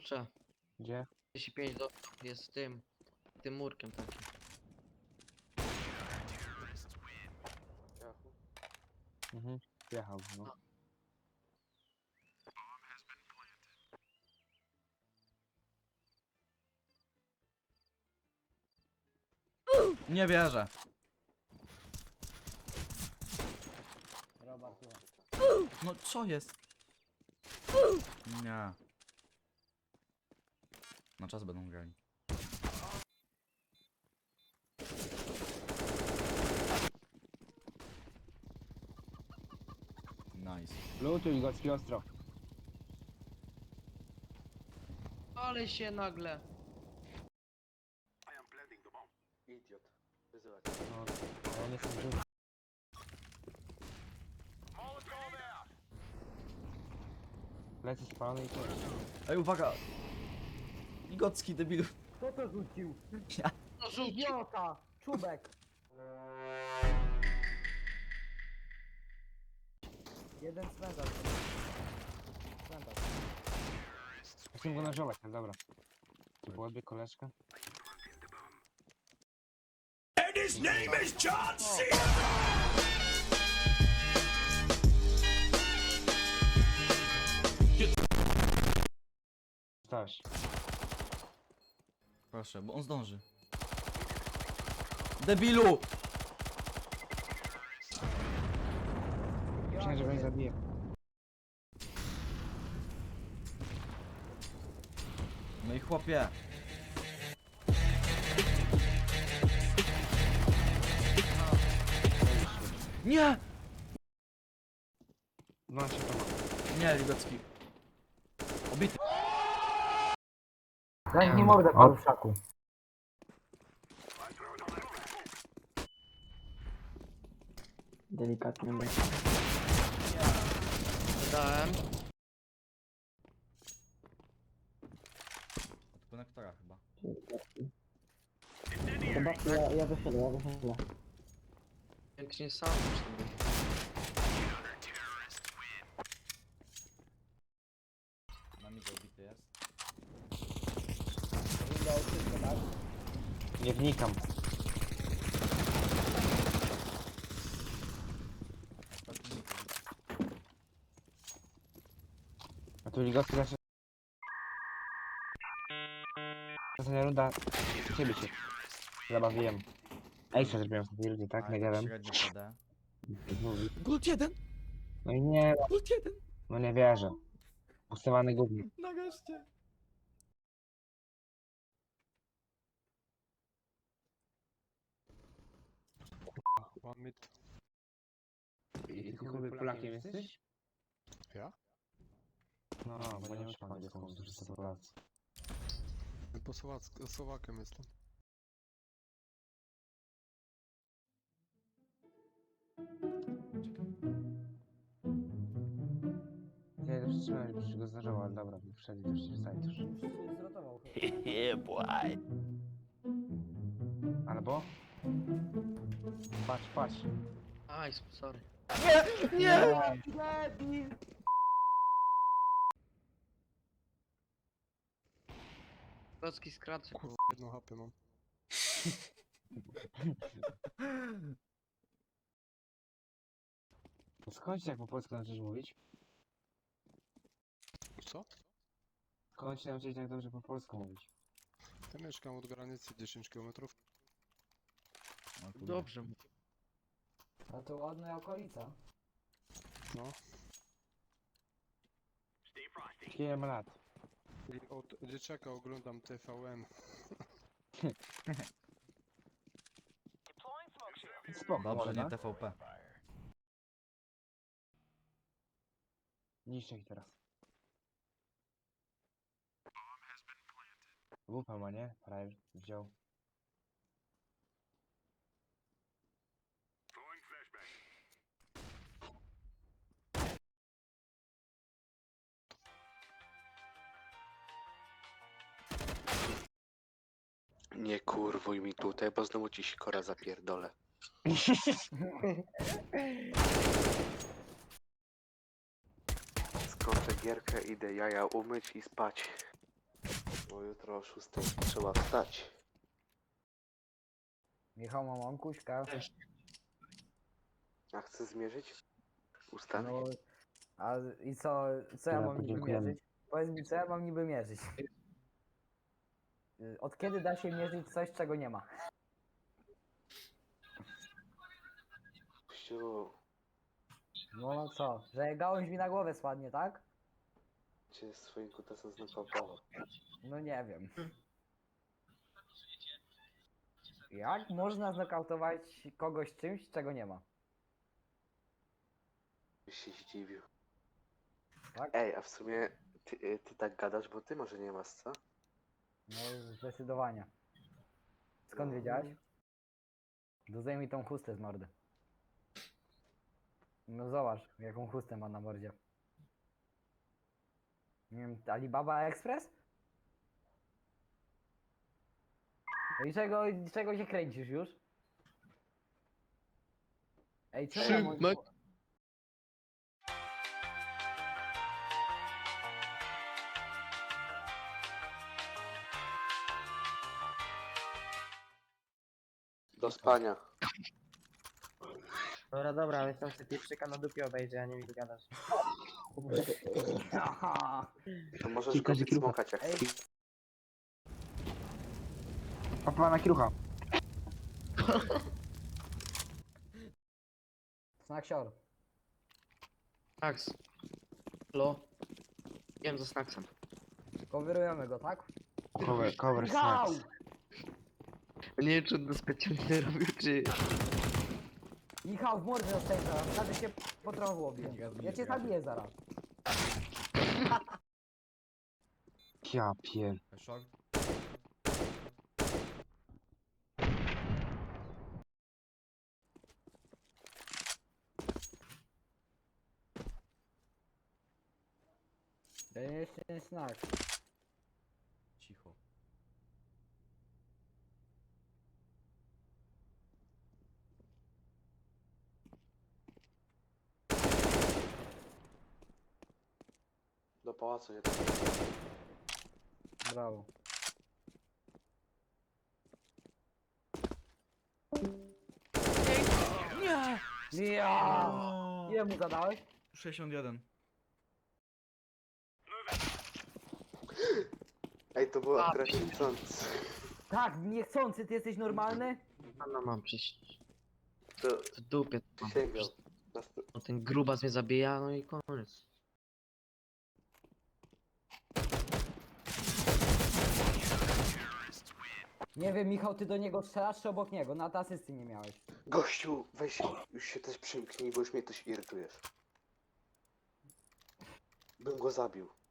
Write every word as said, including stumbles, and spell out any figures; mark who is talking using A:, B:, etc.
A: Kurczę,
B: Gdzie?
A: trzydzieści pięć do... jest tym, tym murkiem takim.
B: Mhm. Jechał, no.
C: Nie wierzę. No co jest? Nie. Na czas będą grali. Nice.
B: Lutuj gocki ostro.
A: Ale się nagle...
D: Idiot. Wyzywać.
B: No, ale nie są żywi. Lecę spalony i to.
C: Ej, uwaga! Igocki debilu.
E: Kto to rzucił?
C: Ja.
A: No rzucił!
E: Idiota! Czubek! Jeden cmentarz. Cmentarz.
B: Chcę go nażować, no dobra. To byłaby koleżka? Stałeś.
C: Proszę, bo on zdąży. Debilu!
B: Myślałem, że mnie zabije.
C: No i chłopie. Nie!
B: No się to ma.
C: Nie, Ligocki. Obity.
E: Daj mi mordę, paruszaku. Delikatnie będzie.
A: Dałem.
C: Od konektora chyba.
E: Chyba ja, ja wyszedłem, ja wyszedłem.
A: Pięknie sam już tam był.
C: Na mi obity jest.
B: Nie wnikam.
C: Ostatni mit.
B: A tu ligowski zawsze... Ostatnia runda... Ciebie się zabawiłem. Ej, co zrobiłem w tej rundzie, tak? Nie gadam.
C: Średnio P D.
B: Mówi.
C: Glut jeden!
B: No i nie,
C: Glut jeden!
B: no nie wierzę. Pustowany gównik.
C: Nareszcie!
D: One mid.
B: I ty chuj Polakiem jesteś?
D: Ja?
B: No, bo nie masz pan angielską, którzy są Polacy.
D: Po Słowacku, Słowakiem jestem.
B: Ja to przytrzymałem, że go zdarzało, ale dobra, wszedł też się wstaje już.
E: Zrotował.
B: Albo? Patrz, patrz.
A: Aj, sorry.
C: Nie!
E: Debil!
A: Polski skracze.
D: Kurwa, jedną hapę mam.
B: Skąd się jak po polsku nauczyć mówić?
D: Co?
B: Skąd się nauczyć tak dobrze po polsku mówić?
D: Ja mieszkam od granicy dziesięć kilometrów.
C: O kurde.
A: Dobrze.
E: A to ładna okolica.
D: No.
B: Ile ma lat?
D: I od dzieciaka oglądam T V N.
B: Spoko,
C: Dobrze,
B: można?
C: nie T V P.
B: Niszczę ich teraz. Wupa ma, nie? Prawie wziął.
F: Nie kurwuj mi tutaj, bo znowu ci sikora zapierdolę. Skończę gierkę, idę jaja umyć i spać. Bo jutro o szóstej trzeba wstać.
E: Michał, mam onkuśka.
F: A chcę zmierzyć? Ustawić?
E: No, a i co, co ja
B: Dobra,
E: mam niby
B: podziękujemy.
E: mierzyć? Powiedz mi, co ja mam niby mierzyć? Y, Od kiedy da się mierzyć coś, czego nie ma?
F: Kościół,
E: No, no co, że gałąź mi na głowę spadnie, tak?
F: cię swoim kutasem znokautował.
E: No nie wiem. Jak można znokautować kogoś czymś, czego nie ma?
F: Byś się zdziwił.
E: Tak?
F: Ej, a w sumie ty, y, ty tak gadasz, bo ty może nie masz, co?
E: No zdecydowanie. Skąd
F: No.
E: wiedziałeś? Dozaj mi tą chustę z mordy. No zobacz, jaką chustę ma na mordzie. Nie wiem, Alibaba Express? No i czego, czego się kręcisz już? Ej, co ja mam...
A: Szymek.
F: Do spania.
B: Dobra, dobra, ale tam sobie pieprzyka na dupie obejrzę, a nie mi tu gadasz.
E: Aha.
F: To możesz
B: Kilka
F: go
B: zikrucha.
F: smokać jak
E: Ej.
F: chcesz.
B: Papa na kierucha.
E: Snaksior.
A: Snacks. Halo? Jem za snacksem.
E: Coverujemy go, tak?
B: Cover, cover
E: Michał!
B: snacks.
A: Nie wiem, czy on to specjalnie robił, czy...
E: Michał, w mordę zostań zaraz, nawet się po trochu łobie. Ja cię zabiję zaraz.
B: Ja pier...
C: Szok.
E: To jest ten snak.
C: Cicho.
F: Do pałacu nie.
E: Brawo.
C: Nie!
E: Ja!
C: O,
E: Ile mu zadałeś?
C: sześćdziesiąt jeden.
F: Ej, to było akurat niechcący.
E: Tak, niechcący, ty jesteś normalny?
A: Pana mam przecież.
F: To
A: W dupie. to mam.
F: sięgał. Nast-
A: No ten grubas mnie zabija, no i koniec.
E: Nie wiem, Michał, ty do niego strzelasz czy obok niego? Na asysty nie miałeś.
F: Gościu, weź już się też przymknij, bo już mnie też irytujesz. Bym go zabił.